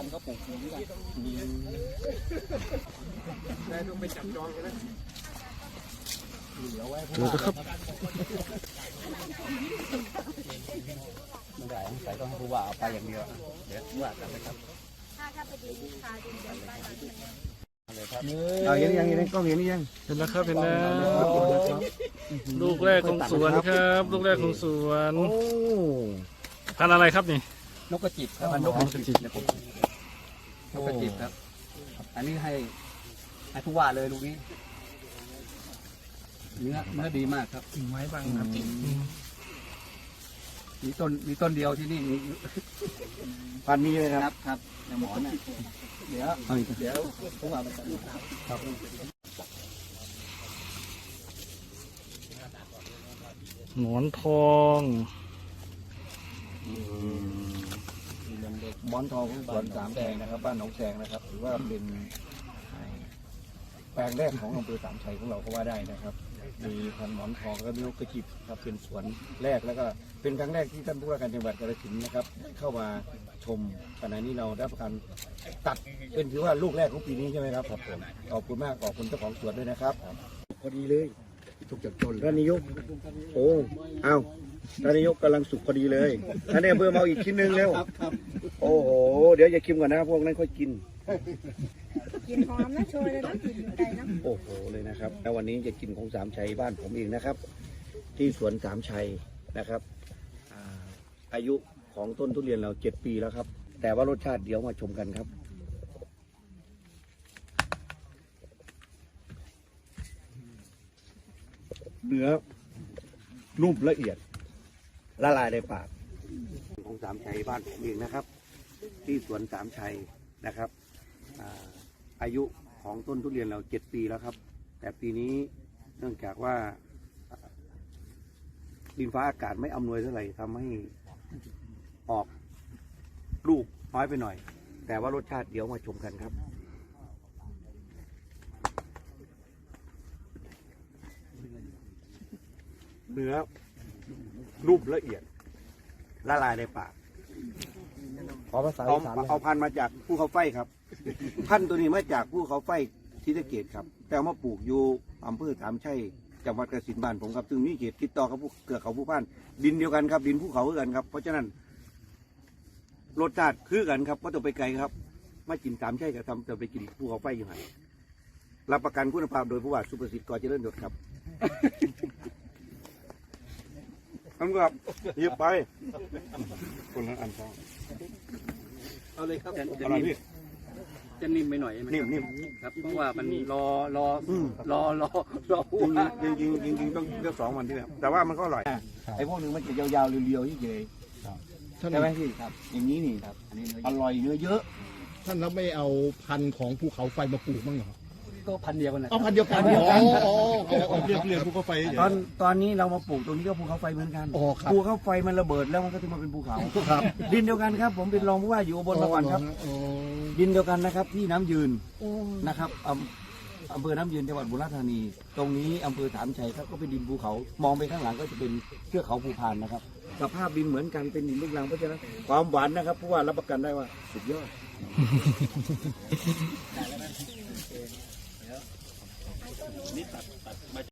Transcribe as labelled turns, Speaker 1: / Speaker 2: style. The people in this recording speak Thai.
Speaker 1: ก็ปลูกอย่างนี้ได้ต้องไปจับจองกันนะเหลือไว้เพราะว่าไม่ได้ใส่ต้องให้ผู้ว่าเอาไปอย่างเดียวเดี๋ยวผู้ว่ากันนะครับถ้าไปดีลูกค้าดีใจไปเอาเห็นยังกล้องเห็นยัง
Speaker 2: เห็นแล้วครับเห็นแล้วลูกแรกของสวนครับลูกแรกของสวนพันธุ์อะไรครับนี่
Speaker 1: นกกระจิบครับนกกระจิบนะผมนกกระจิบครับอันนี้ให้ผู้ว่าเลยลูกนี้เนื้อดีมากครับกิ่งไม้บางครับมีต้นเดียวที่นี่มี
Speaker 3: พันนี้เลยครับ
Speaker 1: ครับในหมอนเดี๋ยวผู้ว่าไปจัดครับ
Speaker 2: หมอนทอง
Speaker 3: หมอนทองของสวนสามแดงนะครับบ้านหนองแสงนะครับถือว่าเป็นแปลงแรกของอำเภอสามชัยของเราก็ว่าได้นะครับมีพันหมอนทองและนกกระจิบครับเป็นสวนแรกแล้วก็เป็นครั้งแรกที่ท่านผู้ว่าการจังหวัดกาฬสินธุ์นะครับเข้ามาชมขณะนี้เราได้ประกันตัดเป็นถือว่าลูกแรกของปีนี้ใช่ไหมครับผมขอบคุณมากขอบคุณเจ้าของสวนด้วยนะครับพอดีเลยถูกจับจนท่านนายกโอ้เอาท่านนายกกำลังสุกพอดีเลยท่านนายอำเภอมาอีกชิ้นหนึ่งเร็วโอ้โหเดี๋ยวอย่าชิมก่อนนะพวกนั้นค่อยกิน
Speaker 4: หอมนะโชยเลยนะกลิ่นไก่นะ
Speaker 3: โอ้โหเลยนะครับแล้ววันนี้จะกินของสามชัยบ้านผมเองนะครับที่สวนสามชัยนะครับอายุของต้นทุเรียนเรา7 ปีแล้วครับแต่ว่ารสชาติเดี๋ยวมาชมกันครับเนื้อนุ่มละเอียดละลายในปากของสามชัยบ้านผมเองนะครับที่สวนสามชัยนะครับอายุของต้นทุเรียนเรา7 ปีแล้วครับแต่ปีนี้เนื่องจากว่าดินฟ้าอากาศไม่อำนวยเท่าไหร่ทำให้ออกลูกน้อยไปหน่อยแต่ว่ารสชาติเดี๋ยวมาชมกันครับเนื้อนุ่มละเอียดละลายในปากขอภาษาอีสานเอาพันธุ์มาจากภูเขาไฟครับพันธุ์ตัวนี้มาจากภูเขาไฟศรีสะเกษครับแต่มาปลูกอยู่อำเภอสามชัยจังหวัดกาฬสินธุ์บ้านผมครับซึ่งมีเขตติดต่อกับเกือกเขาผู้พันดินเดียวกันครับดินภูเขาคือกันครับเพราะฉะนั้นรสชาติคือกันครับก็ต้องไปไกลครับมากินสามชัยก็ทำจะไปกินภูเขาไฟอยู่ไหนรับประกันคุณภาพโดยผู้ว่าสุประสิทธิ์ก่อเจริญยศครับทำกับหยิบไปคนละอันสอง
Speaker 1: เอาเลยครับจะนิ่มไปหน่อยไหม
Speaker 3: นิ่ม
Speaker 1: ครับเพราะว่ามันรอ
Speaker 3: จริงต้องเลือก2 วันที่แล้วแต่ว่ามันก็อร่อยไอ้พวกนึงมันจะยาวๆเรียวๆที่เจใช่ไหมพี่ครับอย่างนี้นี่ครับอร่อยเนื้อเยอะ
Speaker 2: ท่านแล้วไม่เอาพันธุ์ของภูเขาไฟมาปลูกบ้างเหรอ
Speaker 1: ก็พันเดียวกันนะ
Speaker 2: พันเดียวกันเรียกภูเขาไฟ
Speaker 3: ตอนนี้เรามาปลูกตรงนี้ก็ภูเขาไฟเหมือนกันภูเขาไฟมันระเบิดแล้วมันก็จะมาเป็นภูเขาดินเดียวกันครับผมเป็นรองผู้ว่าอยู่บนสวรรค์ครับดินเดียวกันนะครับที่น้ำยืนนะครับอำเภอน้ำยืนจังหวัดบุรีรัมย์ธานีตรงนี้อำเภอสามชัยครับก็เป็นดินภูเขามองไปข้างหลังก็จะเป็นเทือกเขาภูพานนะครับสภาพดินเหมือนกันเป็นดินลูกรังเพราะฉะนั้นความหวานนะครับผู้ว่ารับประกันได้ว่าสุดยอดนี่ตัด